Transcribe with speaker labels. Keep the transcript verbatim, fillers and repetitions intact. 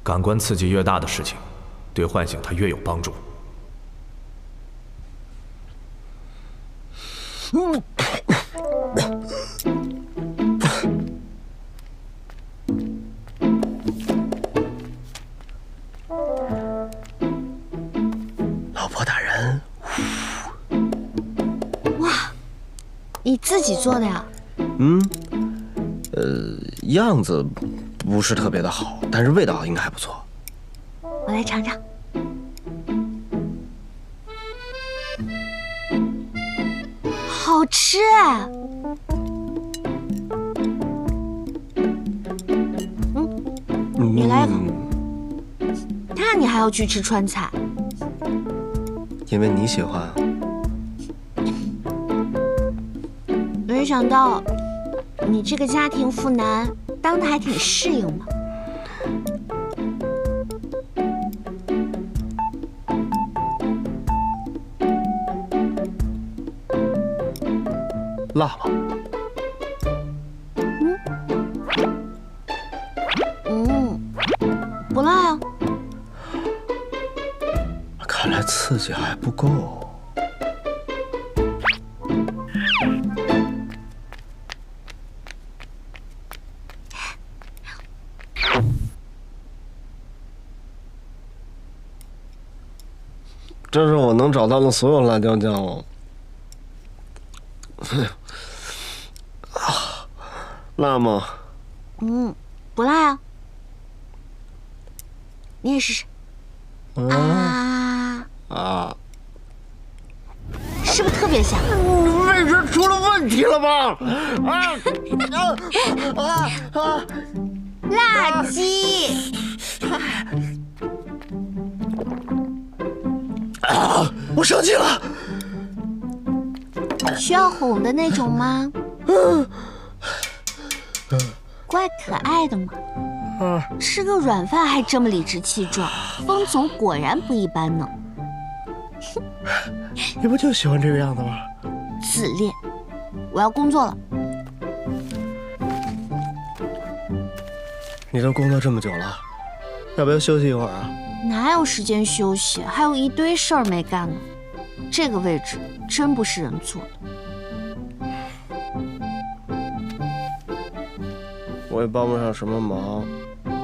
Speaker 1: 感官刺激越大的事情，对唤醒它越有帮助。嗯。
Speaker 2: 老婆大人。
Speaker 3: 哇，你自己做的呀？
Speaker 2: 嗯，呃，样子不是特别的好，但是味道应该还不错。
Speaker 3: 我来尝尝。好吃哎！嗯，你来一口。那你还要去吃川菜？
Speaker 2: 因为你喜欢啊。
Speaker 3: 没想到你这个家庭妇男当的还挺适应的。
Speaker 2: 辣吗？
Speaker 3: 嗯嗯，不辣呀。
Speaker 2: 看来刺激还不够。这是我能找到的所有辣椒酱了。啊，辣吗？
Speaker 3: 嗯，不辣呀。你也试试。
Speaker 2: 嗯、
Speaker 3: 啊
Speaker 2: 啊！
Speaker 3: 是不是特别香？
Speaker 2: 味觉出了问题了吧？啊啊啊啊！
Speaker 3: 辣鸡！
Speaker 2: 啊！我生气了。
Speaker 3: 需要哄的那种吗？怪可爱的嘛。吃个软饭还这么理直气壮，风总果然不一般呢。
Speaker 2: 你不就喜欢这个样子吗？
Speaker 3: 自恋。我要工作了。
Speaker 2: 你都工作这么久了，要不要休息一会儿啊？
Speaker 3: 哪有时间休息？还有一堆事儿没干呢。这个位置真不是人坐的。
Speaker 2: 我也帮不上什么忙，